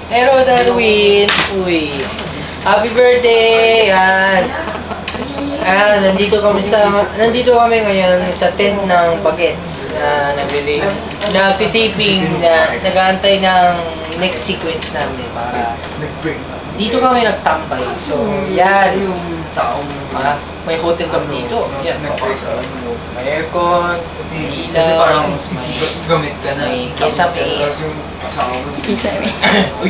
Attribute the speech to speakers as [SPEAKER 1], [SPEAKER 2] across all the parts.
[SPEAKER 1] Hello, Darwin. Uy. Happy birthday! Yan. Nandito kami ngayon sa tent ng Bagets na nagtitiping na nag-aantay ng next sequence namin para dito kami nagtambay. So, yan yung taong may hotel kami dito. Yan, may aircon, may ilaw,
[SPEAKER 2] kasi parang gamit ka na.
[SPEAKER 1] may kesame. Uy!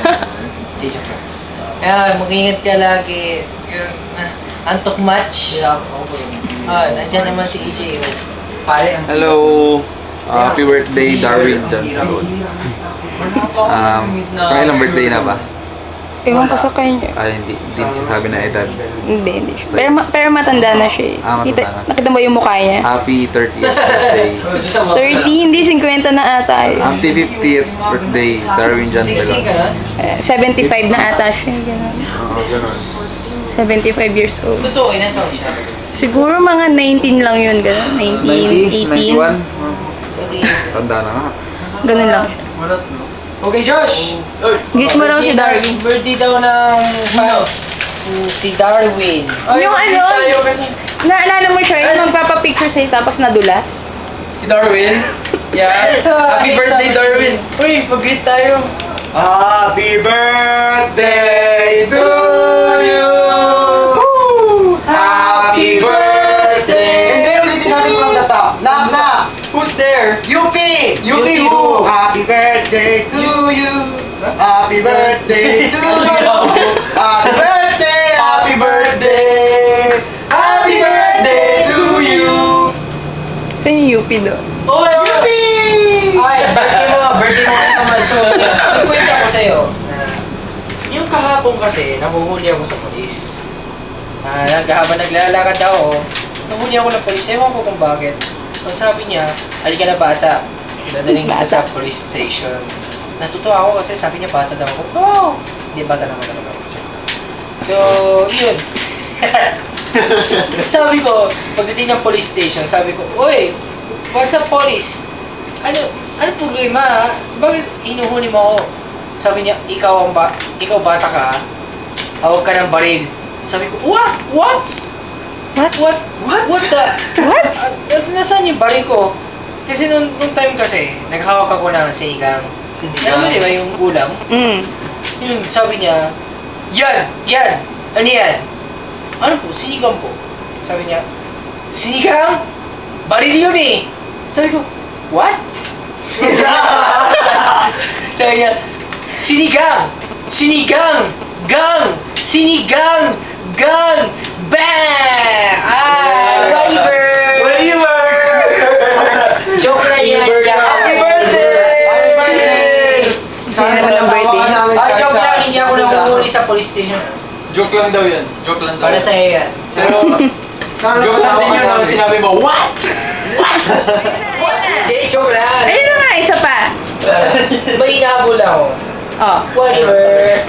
[SPEAKER 1] Ayan, mag-ingat ka lagi. Antok match. Nandiyan naman si EJ.
[SPEAKER 3] Hello! Happy birthday, Darwin John Raul. Pangilang birthday na ba?
[SPEAKER 4] Ewan ko sa kanya.
[SPEAKER 3] Hindi sabi na edad.
[SPEAKER 4] Hindi. Pero matanda na siya eh.
[SPEAKER 3] Matanda na.
[SPEAKER 4] Nakita mo yung mukha niya?
[SPEAKER 3] Happy 30th birthday.
[SPEAKER 4] 30, hindi 50 na ata eh.
[SPEAKER 3] Happy 50th birthday, Darwin John
[SPEAKER 1] 16 ka
[SPEAKER 3] Raul.
[SPEAKER 1] na?
[SPEAKER 4] 75 na ata siya. Ganun.
[SPEAKER 3] Oo, ganun.
[SPEAKER 4] 75 years old.
[SPEAKER 1] Totoo, ilan taon siya?
[SPEAKER 4] Siguro mga 19 lang yun. Ganun. 19, 18.
[SPEAKER 3] 91?
[SPEAKER 1] Sige.
[SPEAKER 3] Tanda na nga.
[SPEAKER 4] Ganun lang.
[SPEAKER 1] Okay, Josh!
[SPEAKER 4] Greet mo raw si Darwin.
[SPEAKER 1] Birthday daw ng si Darwin.
[SPEAKER 4] Yung ano, naalala mo siya, yung magpapapicture sa'yo tapos nadulas?
[SPEAKER 2] Si Darwin? Yeah. Happy birthday, Darwin. Uy, mag-greet tayo.
[SPEAKER 3] Happy birthday to you!
[SPEAKER 1] Happy birthday!
[SPEAKER 3] Hindi, ulitin natin from the top. Knock!
[SPEAKER 2] Who's there?
[SPEAKER 3] UP who? Happy birthday to you! Happy birthday to you! Happy birthday! Happy birthday! Happy birthday to you!
[SPEAKER 4] Saan yung UP doon?
[SPEAKER 1] Oh, UP! Ay, birthday mo naman. So, may kwento ako sa'yo. Yung kahapon kasi, nahuhuli ako sa polis. Habang naglalakad ako, nahuli ako ng polis. Ewan ko kung bakit. Ang sabi niya, halika na bata. Dadaling kita sa police station. Natutuwa ako kasi sabi niya bata daw ako. Oh! Hindi, bata naman talaga ako. So, yun. Sabi ko, pagdating ng police station, sabi ko, Uy, what's up, police? Ano problema? Bakit hinuhuli mo ako? Sabi niya, ikaw bata ka, hawag ka ng baril. Sabi ko, what? What the?
[SPEAKER 4] What?
[SPEAKER 1] Nasaan yung baril ko? Kasi nung time kasi, naghawak ako ng sinigang. Alam mo di ba yung ulam? Yun, sabi niya, yan! Ano yan? Ano po? Sinigang po. Sabi niya, sinigang? Baril yun eh! Sabi ko, what? Sabi niya, sinigang! Gang! Bang! Waiver! Joke na yan! Happy birthday!
[SPEAKER 4] Sino naman ang birthday?
[SPEAKER 1] Joke lang, hindi ako nanguhuli sa police station.
[SPEAKER 2] Joke lang daw yan. Joke lang daw.
[SPEAKER 1] Para sa'yo yan.
[SPEAKER 2] Pero, joke lang din yun ang sinabi mo, what?
[SPEAKER 1] Hindi, joke lang.
[SPEAKER 4] Ayun na nga, isa pa.
[SPEAKER 1] May inahabol ako.
[SPEAKER 4] Oh.
[SPEAKER 1] Whatever.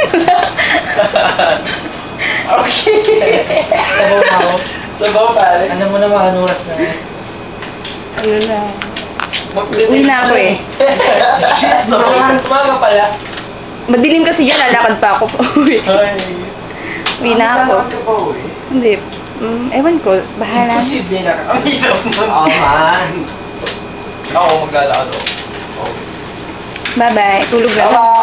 [SPEAKER 1] Okay. Sabaw na ako.
[SPEAKER 2] Sabaw pare.
[SPEAKER 1] Alam mo naman, anong oras na.
[SPEAKER 4] Ano na. Uwi na ako eh.
[SPEAKER 1] Shit, umaga pala.
[SPEAKER 4] Madilim kasi dyan, lalakad pa ako pa uwi. Uwi na ako. Hindi. Ewan ko, bahala.
[SPEAKER 1] Imposible na. Ang hirap mo. Oo, man.
[SPEAKER 2] Ako maglalakad ako.
[SPEAKER 4] Bye-bye. Tulog na.
[SPEAKER 1] Bye-bye.